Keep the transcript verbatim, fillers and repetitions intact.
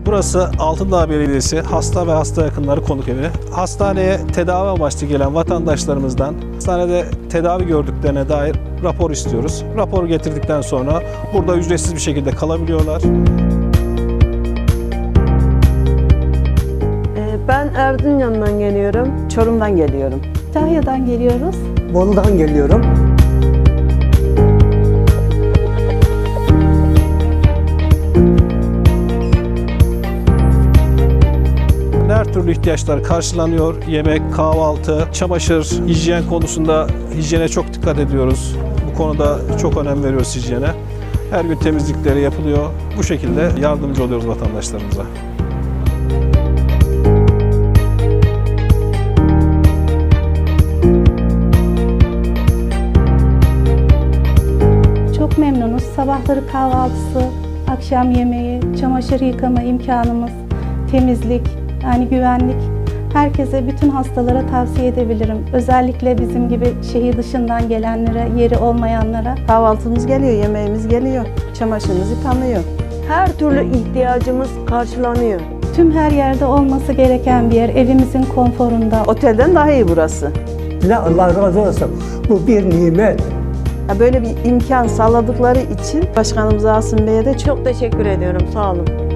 Burası Altındağ Belediyesi Hasta ve Hasta Yakınları Konuk Evi. Hastaneye tedavi amaçlı gelen vatandaşlarımızdan hastanede tedavi gördüklerine dair rapor istiyoruz. Raporu getirdikten sonra burada ücretsiz bir şekilde kalabiliyorlar. Ben Erzincan'dan geliyorum. Çorum'dan geliyorum. Kütahya'dan geliyoruz. Bolu'dan geliyorum. Her türlü ihtiyaçlar karşılanıyor. Yemek, kahvaltı, çamaşır, hijyen konusunda hijyene çok dikkat ediyoruz. Bu konuda çok önem veriyoruz hijyene. Her gün temizlikleri yapılıyor. Bu şekilde yardımcı oluyoruz vatandaşlarımıza. Çok memnunuz. Sabahları kahvaltısı, akşam yemeği, çamaşır yıkama imkanımız, temizlik, yani güvenlik. Herkese, bütün hastalara tavsiye edebilirim. Özellikle bizim gibi şehir dışından gelenlere, yeri olmayanlara. Kahvaltımız geliyor, yemeğimiz geliyor, çamaşırımız yıkanıyor. Her türlü ihtiyacımız karşılanıyor. Tüm her yerde olması gereken bir yer, evimizin konforunda. Otelden daha iyi burası. Ne Allah razı olsun. Bu bir nimet. Böyle bir imkan sağladıkları için Başkanımız Asım Bey'e de çok Çok teşekkür ediyorum. Sağ olun.